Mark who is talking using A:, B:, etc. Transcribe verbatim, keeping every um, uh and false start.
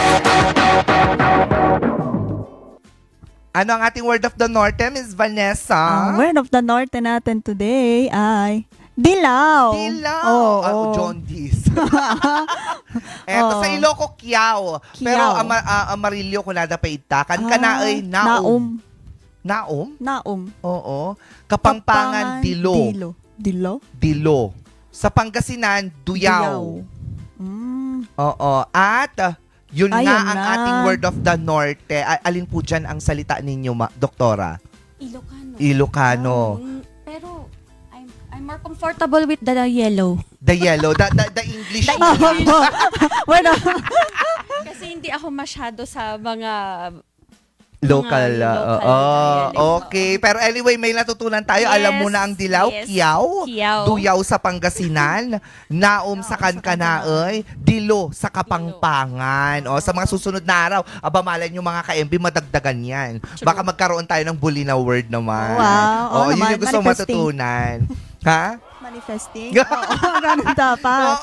A: Ano ang ating word of the Norte, Miss Vanessa?
B: Ang word of the Norte natin today ay dilaw.
A: Dilaw.
B: Oo.
A: Ah, jaundice. Eto
B: Oo.
A: sa Iloco, Kiao. Pero
B: Kiao.
A: ama, ah, Amarillo, Kunada, Paitakan.
B: Ah,
A: Kanaay, Naum. Naum?
B: Naum.
A: Oo. Kapampangan, Dilo.
B: Dilo. Dilo?
A: Dilo. Sa Pangasinan, Duyaw.
B: Mm.
A: Oo. At ah, yun
B: Ayun
A: nga ang
B: na.
A: ating word of the Norte. A- Alin po dyan ang salita ninyo, ma- Doktora?
C: Ilocano.
A: Ilocano.
C: Mm, pero I'm I'm more comfortable with the yellow.
A: The yellow. The, the, the English.
B: Bueno,
C: Kasi hindi ako masyado sa mga
A: Local.
C: mga
A: ah,
C: local
A: oo.
C: dialects,
A: Okay. Pero anyway, may natutunan tayo.
C: Yes,
A: Alam mo na ang dilaw,
C: yes.
A: Kiyaw.
C: Kiyaw.
A: Duyaw sa Pangasinan, Naum sa Kankanaoy, Dilo sa Kapangpangan. O, sa mga susunod na araw, aba malay nyo mga ka-M B, madagdagan yan. Baka magkaroon tayo ng bully na word naman.
B: Wow. Oo
A: O, yun
B: naman,
A: yung gusto
B: manifesting.
A: matutunan. Ha?
B: manifesting. Oo, ganun dapat.